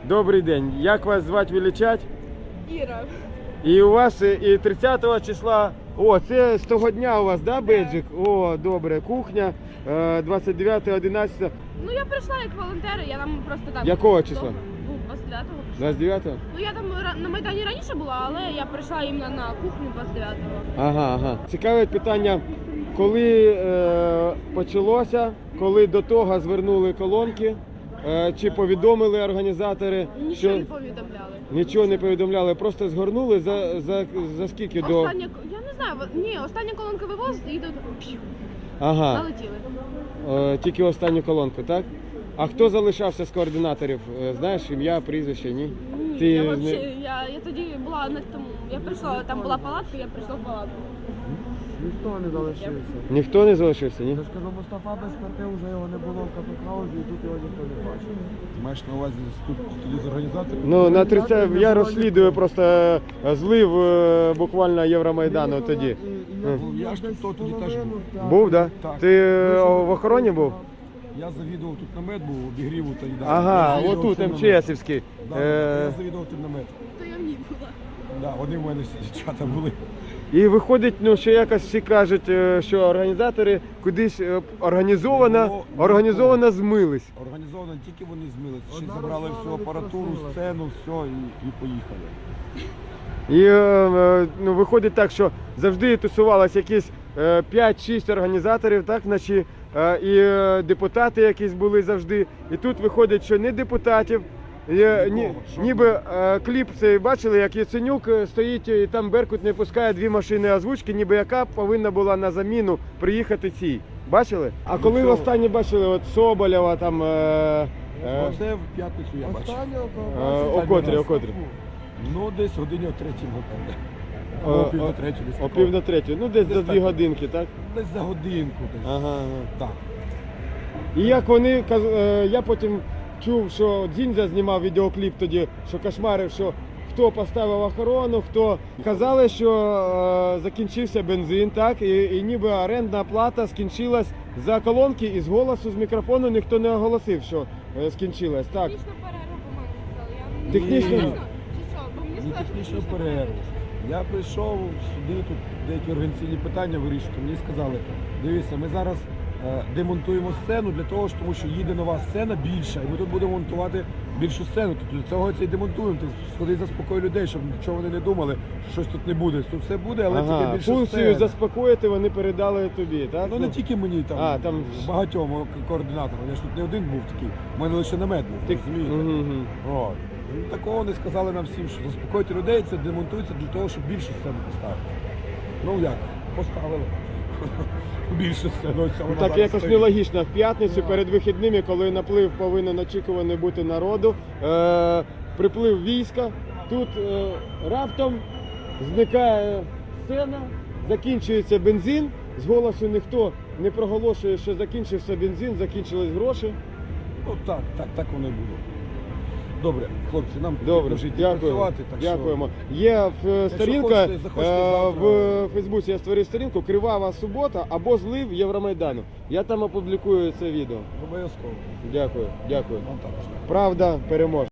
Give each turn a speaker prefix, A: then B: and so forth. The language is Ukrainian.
A: Добрий день. Як вас звати, величать?
B: Іра.
A: І у вас і 30 числа, це з того дня у вас, да, бейджик? О, добре, кухня, 29-11.
B: Ну я прийшла як волонтер, я там просто так.
A: Якого числа?
B: Ну, 29-го.
A: 29-го?
B: Ну я там на Майдані раніше була, але я прийшла іменно на кухню 29-го.
A: Ага. Цікаве питання, коли почалося, коли до того звернули колонки, чи повідомили організатори,
B: Нічого не повідомляли.
A: Нічого не повідомляли, просто згорнули за скільки до...
B: Остання, я не знаю, остання колонка вивозить і йдуть,
A: Ага.
B: налетіли.
A: Тільки останню колонку, так? А хто залишався з координаторів? Знаєш, ім'я, прізвище, ні?
B: Ні, я тоді була на тому, я прийшла, там була палатка, я прийшла в палатку.
C: Ніхто не залишився.
A: Ніхто не залишився, ні?
C: Я ж кажу, Мустафа без карти вже його не було в Капітхаузі, і тут його ніхто не бачив.
D: Маєш на увазі тут тоді з організаторів?
A: Ну, на 30... я розслідую просто злив буквально Євромайдану тоді.
D: Я ж тут тоді теж був.
A: Був, так?
D: Так.
A: Ти в охороні був?
D: Я завідував тут намет, був обігріву та їда.
A: Ага,
D: Я завідував
A: отут,
D: цим наметом.
A: МЧСівський.
D: Я завідував тим намет.
B: То я в ній була.
D: Да, вони в мене всі дівчата були.
A: І виходить, що якось всі кажуть, що організатори кудись організовано змились.
D: Організовано тільки вони змилися. Ще забрали всю апаратуру, сцену, все і поїхали.
A: І виходить так, що завжди тусувалось якісь 5-6 організаторів, так, наче, і депутати якісь були завжди. І тут виходить, що не депутатів, ніби кліп цей бачили, як Яценюк стоїть і там Беркут не пускає 2 машини озвучки, ніби яка повинна була на заміну приїхати цій. Бачили? А коли останні бачили от Соболєва там...
D: Оце в п'ятницю я бачив.
A: О котрі?
D: Ну, десь годині о 3-й, напевне. О пів на третю десь.
A: О пів на третю, ну десь за 2
D: так.
A: годинки, так?
D: Десь за годинку десь.
A: Ага.
D: Так.
A: І як вони, я потім чув, що Дзіндзя знімав відеокліп тоді, що кошмарив, що хто поставив охорону, хто... Казали, що закінчився бензин, так, і ніби орендна плата скінчилась за колонки, і з голосу, з мікрофону ніхто не оголосив, що скінчилась, так.
B: Технічну перерву, по-моєму, сказали.
A: Технічну?
B: Чи що? Бо мені
D: Ні,
B: сказали, що
D: технічну перерву. Я прийшов сюди, тут деякі організаційні питання вирішувати. Мені сказали, дивіться, ми зараз демонтуємо сцену для того, тому що їде нова сцена більша, і ми тут будемо монтувати більшу сцену. Тут для цього це і демонтуємо. Ти сходи, заспокой людей, щоб нічого вони не думали, що щось тут не буде. Тут все буде, але тільки більше
A: функцію
D: сцена.
A: заспокоїти вони передали тобі, так?
D: Ну не тільки мені, там багатьом координаторам. Я ж тут не один був такий, у мене лише намет був, розумієте? От. Такого вони сказали нам всім, що заспокойте людей, це демонтується для того, щоб більшу сцену поставити. Ну як? Поставили. Більше сцену.
A: Так якось нелогічно. В п'ятницю перед вихідними, коли наплив повинен очікуваний бути народу, приплив війська, тут раптом зникає сцена, закінчується бензин, з голосу ніхто не проголошує, що закінчився бензин, закінчились гроші.
D: Ну так воно і було. Добре, хлопці, нам
A: Добре,
D: жити
A: дякую.
D: працювати. Так
A: Дякуємо. Є сторінка
D: захочете
A: в Фейсбуці, я створив сторінку «Кривава субота» або «Злив Євромайдану». Я там опублікую це відео.
D: Обов'язково.
A: Дякую.
D: Вам також.
A: Правда переможе.